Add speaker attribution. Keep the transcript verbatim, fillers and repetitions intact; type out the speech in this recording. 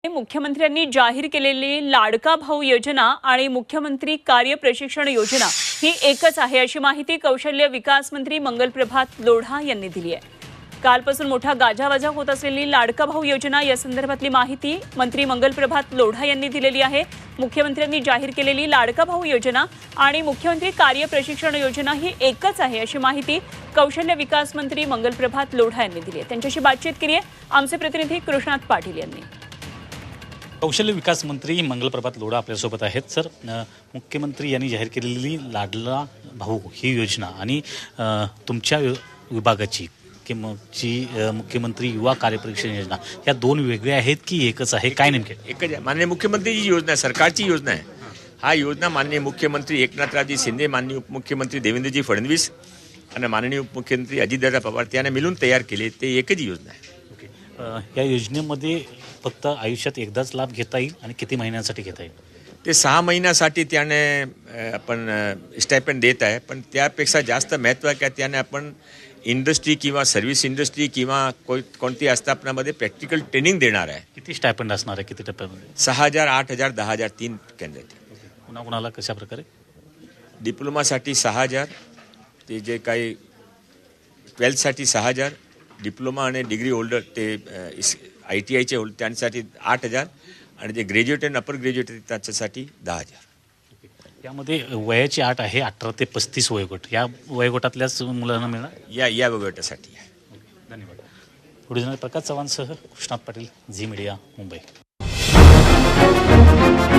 Speaker 1: मुख्यमंत्र्यांनी जाहीर केलेली लाडका भाऊ योजना आणि मुख्यमंत्री कार्य प्रशिक्षण योजना ही एकच आहे अशी माहिती कौशल्य विकास मंत्री मंगलप्रभात लोढा यांनी दिली आहे। कालपासून मोठा गाजावाजा होत असलेली लाडका भाऊ योजना या संदर्भातली माहिती मंत्री मंगलप्रभात लोढा यांनी दिलेली आहे। मुख्यमंत्र्यांनी जाहीर केलेली लाडका भाऊ योजना आणि मुख्यमंत्री कार्य प्रशिक्षण योजना ही एकच आहे अशी माहिती कौशल्य विकास मंत्री मंगलप्रभात लोढा यांनी दिली आहे। त्यांच्याशी बातचीत केली आहे आमचे प्रतिनिधी कृष्णात पाटील यांनी।
Speaker 2: कौशल्य विकास मंत्री मंगलप्रभात लोढा आपल्यासोबत आहेत। सर, मुख्यमंत्री यांनी जाहीर केलेली लाडला भाऊ ही योजना आणि तुमच्या विभागाची किंवा जी मुख्यमंत्री युवा कार्यप्रशिक्षण योजना या दोन वेगळ्या आहेत की एकच आहे, काय नेमके?
Speaker 3: एकच आहे। माननीय मुख्यमंत्रीची योजना आहे, सरकारची योजना आहे। हा योजना माननीय मुख्यमंत्री एकनाथरावजी शिंदे, माननीय उपमुख्यमंत्री देवेंद्रजी फडणवीस आणि माननीय उपमुख्यमंत्री अजितदादा पवार यांनी मिळून तयार केले, ते एकच योजना आहे।
Speaker 2: या योजनेमध्ये फक्त आयुष्यात एकदाच लाभ घेता येईल आणि किती महिन्यांसाठी घेता येईल?
Speaker 3: ते सहा महिन्यासाठी त्याने आपण स्टायपेंड देत आहे, पण त्यापेक्षा जास्त महत्त्व आहे की त्याने आपण इंडस्ट्री किंवा सर्व्हिस इंडस्ट्री किंवा कोण कोणती आस्थापनामध्ये प्रॅक्टिकल ट्रेनिंग देणार आहे।
Speaker 2: किती स्टायपेंड असणार आहे, किती टप्प्यामध्ये?
Speaker 3: सहा हजार आठ हजार दहा हजार तीन केंद्र आहेत।
Speaker 2: कुणा कुणाला कशा प्रकारे?
Speaker 3: डिप्लोमासाठी सहा हजार, ते जे काही ट्वेल्थसाठी सहा हजार, डिप्लोमा आणि डिग्री होल्डर ते आय टी आयचे होल्डर त्यांच्यासाठी आठ हजार आणि जे ग्रॅज्युएट आणि अपर ग्रॅज्युएट त्याच्यासाठी दहा हजार।
Speaker 2: यामध्ये वयाची आठ आहे अठरा ते पस्तीस वयोगट, या वयोगटातल्याच मुलांना मिळणार
Speaker 3: या या वयोगटासाठी आहे।
Speaker 2: धन्यवाद। पुढे प्रकाश चव्हाणसह कृष्णात पाटील, झी मीडिया, मुंबई।